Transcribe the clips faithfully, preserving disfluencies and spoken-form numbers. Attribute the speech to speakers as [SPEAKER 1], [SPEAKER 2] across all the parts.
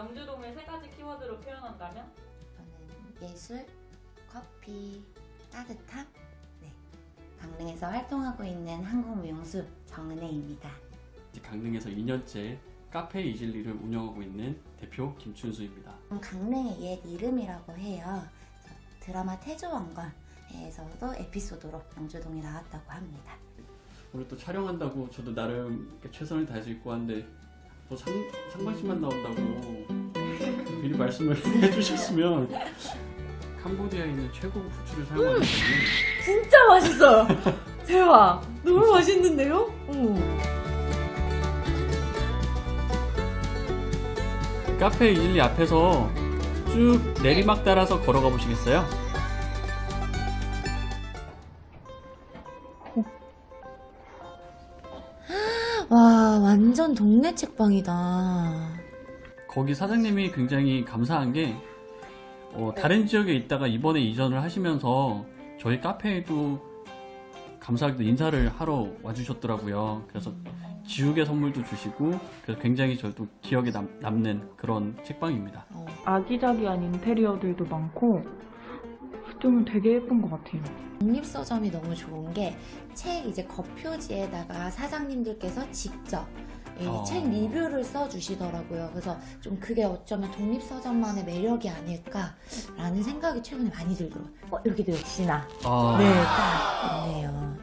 [SPEAKER 1] 영주동을 세 가지 키워드로 표현한다면?
[SPEAKER 2] 저는 예술, 커피, 따뜻함. 네, 강릉에서 활동하고 있는 한국무용수 정은혜입니다.
[SPEAKER 3] 강릉에서 이 년째 카페 이즐리를 운영하고 있는 대표 김춘수입니다.
[SPEAKER 2] 강릉의 옛 이름이라고 해요. 드라마 태조왕건에서도 에피소드로 영주동에 나왔다고 합니다.
[SPEAKER 3] 오늘 또 촬영한다고 저도 나름 최선을 다해서 입고 왔는데 또 상, 상반신만 나온다고 미리 말씀을 해주셨으면 캄보디아에 있는 최고급 후추를 사용하는 거는
[SPEAKER 4] 진짜 맛있어요. 대박. 너무 맛있는데요? 어.
[SPEAKER 3] 카페 이즐리 앞에서 쭉 내리막 따라서 걸어가 보시겠어요?
[SPEAKER 4] 와, 완전 동네 책방이다.
[SPEAKER 3] 거기 사장님이 굉장히 감사한 게 어, 다른 지역에 있다가 이번에 이전을 하시면서 저희 카페에도 감사하게도 인사를 하러 와주셨더라고요. 그래서 지우개 선물도 주시고 그래서 굉장히 저도 기억에 남, 남는 그런 책방입니다.
[SPEAKER 4] 어.
[SPEAKER 5] 아기자기한 인테리어들도 많고 좀 되게 예쁜 것 같아요.
[SPEAKER 2] 독립서점이 너무 좋은 게 책 이제 겉표지에다가 사장님들께서 직접 이
[SPEAKER 3] 어.
[SPEAKER 2] 책 리뷰를 써주시더라고요. 그래서 좀 그게 어쩌면 독립서점만의 매력이 아닐까라는 생각이 최근에 많이 들더라고요. 어, 여기도 역시나
[SPEAKER 3] 아,
[SPEAKER 2] 네, 딱 있네요.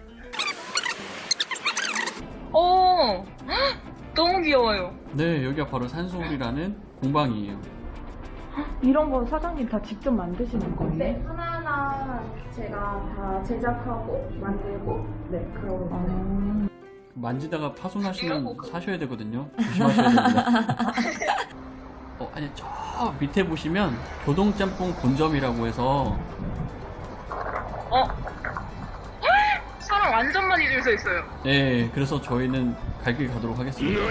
[SPEAKER 5] 오! 너무 귀여워요.
[SPEAKER 3] 네, 여기가 바로 산소울이라는 공방이에요.
[SPEAKER 5] 이런 거 사장님 다 직접 만드시는 거예요?
[SPEAKER 6] 네, 하나하나 제가 다 제작하고 만들고 네 그러고 있어요.
[SPEAKER 5] 아,
[SPEAKER 3] 만지다가 파손하시면 사셔야 되거든요. 조심하셔야 됩니다. 어, 아니 저 밑에 보시면 교동짬뽕 본점이라고 해서
[SPEAKER 5] 어? 사람 완전 많이 줄 서 있어요.
[SPEAKER 3] 네, 그래서 저희는 갈 길 가도록 하겠습니다.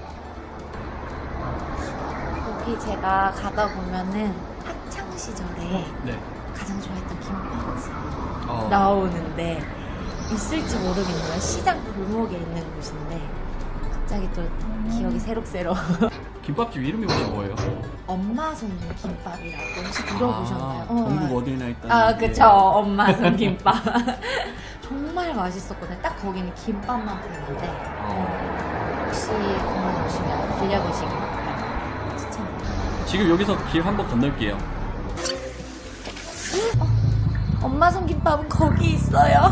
[SPEAKER 2] 여기 제가 가다 보면은 학창 시절에
[SPEAKER 3] 네.
[SPEAKER 2] 가장 좋아했던 김밥집
[SPEAKER 3] 어,
[SPEAKER 2] 나오는데 있을지 모르겠네요. 시장 골목에 있는 곳인데 갑자기 또 기억이 새록새록.
[SPEAKER 3] 김밥집 이름이 혹시 뭐예요?
[SPEAKER 2] 엄마 손 김밥이라고 혹시 들어보셨나요?
[SPEAKER 3] 아,
[SPEAKER 2] 어.
[SPEAKER 3] 전국 어디나 있다는.
[SPEAKER 2] 아,
[SPEAKER 3] 게.
[SPEAKER 2] 그쵸. 엄마 손 김밥. 정말 맛있었거든요. 딱 거기는 김밥만 파는데
[SPEAKER 3] 어,
[SPEAKER 2] 혹시 강릉 오시면 들려보시길 바랍니다. 추천해요.
[SPEAKER 3] 지금 여기서 길 한번 건널게요.
[SPEAKER 2] 엄마 손 김밥은 거기 있어요.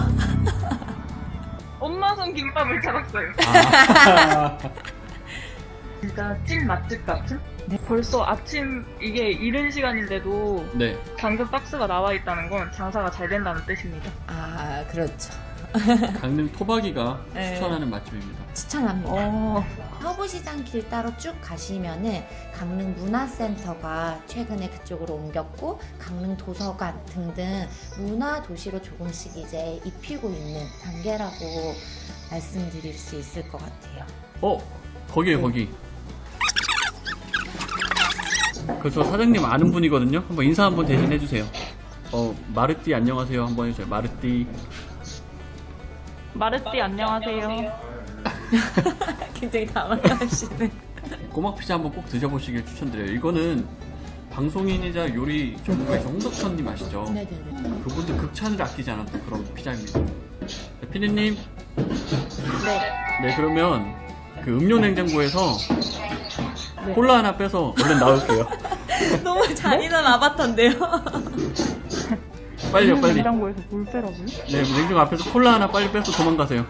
[SPEAKER 5] 엄마 손 김밥을 찾았어요.
[SPEAKER 3] 아,
[SPEAKER 5] 진짜 찐 맛집 같은?
[SPEAKER 2] 네.
[SPEAKER 5] 벌써 아침 이게 이른 시간인데도
[SPEAKER 3] 네.
[SPEAKER 5] 당근 박스가 나와 있다는 건 장사가 잘 된다는 뜻입니다.
[SPEAKER 2] 아, 그렇죠.
[SPEAKER 3] 강릉 토박이가
[SPEAKER 2] 네.
[SPEAKER 3] 추천하는 맛집입니다.
[SPEAKER 2] 추천합니다.
[SPEAKER 5] 어,
[SPEAKER 2] 서부시장 길 따로 쭉 가시면은 강릉 문화센터가 최근에 그쪽으로 옮겼고 강릉 도서관 등등 문화 도시로 조금씩 이제 입히고 있는 단계라고 말씀드릴 수 있을 것 같아요.
[SPEAKER 3] 어, 거기에요,
[SPEAKER 2] 네.
[SPEAKER 3] 거기. 그저 사장님 아는 분이거든요. 한번 인사 한번 대신 해주세요. 어, 마르띠 안녕하세요. 한번 해주세요. 마르띠.
[SPEAKER 5] 마르띠 안녕하세요.
[SPEAKER 2] 굉장히 당황하시네.
[SPEAKER 3] 꼬막 피자 한번 꼭 드셔보시길 추천드려요. 이거는 방송인이자 요리 전문가이신 홍석천님 아시죠?
[SPEAKER 2] 네네네.
[SPEAKER 3] 그분도 극찬을 아끼지 않았던 그런 피자입니다. 네, 피디님.
[SPEAKER 2] 네.
[SPEAKER 3] 네, 그러면 그 음료 냉장고에서
[SPEAKER 2] 네.
[SPEAKER 3] 콜라 하나 빼서 얼른 나올게요.
[SPEAKER 4] 너무 잔인한 아바타인데요?
[SPEAKER 3] 빨리요, 빨리.
[SPEAKER 5] 냉장고에서 물 빼라고요?
[SPEAKER 3] 네, 냉장고 앞에서 콜라 하나 빨리 빼서 도망가세요.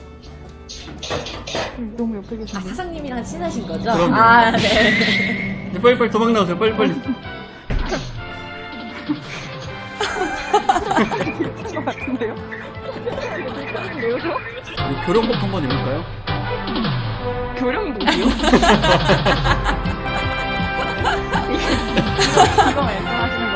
[SPEAKER 5] 너무 옆에
[SPEAKER 4] 아,
[SPEAKER 5] 계신데.
[SPEAKER 4] 사장님이랑 친하신 거죠?
[SPEAKER 3] 그럼요.
[SPEAKER 4] 아, 네.
[SPEAKER 3] 네, 빨리 빨리 도망 나오세요. 빨리 빨리.
[SPEAKER 5] 것 같은데요? 왜요?
[SPEAKER 3] 네, 교령복 한번 입을까요?
[SPEAKER 5] 교령복이요? 이거 말씀하시는